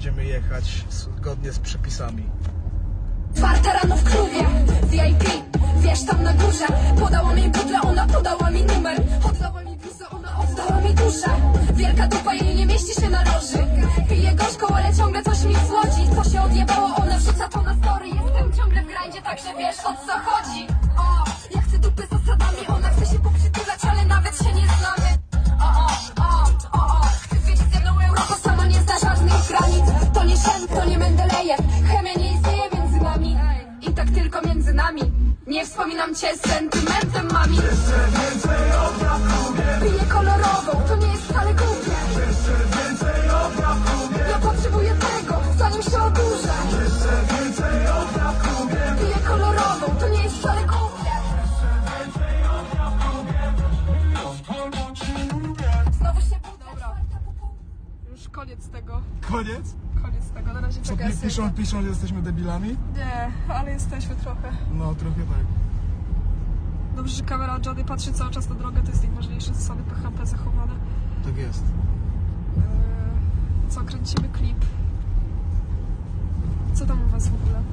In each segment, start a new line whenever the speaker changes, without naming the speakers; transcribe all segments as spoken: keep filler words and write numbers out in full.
będziemy jechać zgodnie z przepisami.
Czwarta rano w klubie, V I P, wiesz tam na górze. Podała mi butlę, ona podała mi numer. Oddała mi bluzę, ona oddała mi duszę. Wielka dupa, jej nie mieści się na loży. Piję gorzką, ale ciągle coś mi słodzi. Co się odjebało, ona wrzuca to na story. Jestem ciągle w grindzie, także wiesz o co chodzi. O, ja chcę dupy z zasadami, ona chce się poprzytulać, ale nawet się nie znamy. O, o, o, o, o, chcę zwiedzić ze mną Europę, sama nie zna żadnych granic. To nie Shen, to nie Mendelejew, chemia nie istnieje między nami. I tak tylko między nami. Nie wspominam cię z sentymentem, mami.
Jeszcze więcej obraw lubię.
Piję kolorową, to nie jest wcale głupie.
Jeszcze więcej obraw lubię.
Ja potrzebuję tego, zanim się oburzę.
Jeszcze więcej obraw lubię.
Piję kolorową, to nie jest wcale głupie.
Więcej obraw lubię.
Znowu się budzę.
Już koniec tego.
Koniec?
Koniec tego. Na razie
Co
czekaj.
pi- piszą, piszą, że jesteśmy debilami?
Nie, ale jesteśmy trochę.
No, trochę tak.
Dobrze, że kamera od Johnny patrzy cały czas na drogę, to jest najważniejsze, zasady P H P zachowane.
Tak jest.
Eee, co, kręcimy klip. Co tam u was w ogóle?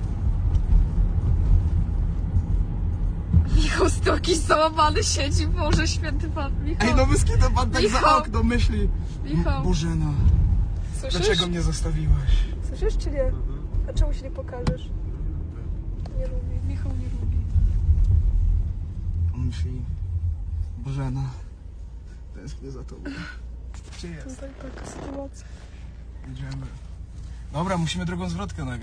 Michał Stoki załamany siedzi, Boże święty Pan. Michał,
Ej, no wyskita pan tak za
Michał.
okno myśli.
Michał,
Bożena,
słyszysz?
dlaczego mnie zostawiłaś?
Słyszysz czy nie? A czemu się nie pokażesz? Nie lubi, Michał nie lubi.
On myśli, Bożena, tęsknię za tobą. Gdzie jest?
Tutaj taka sytuacja.
Jedziemy. Dobra, musimy drugą zwrotkę nagrać.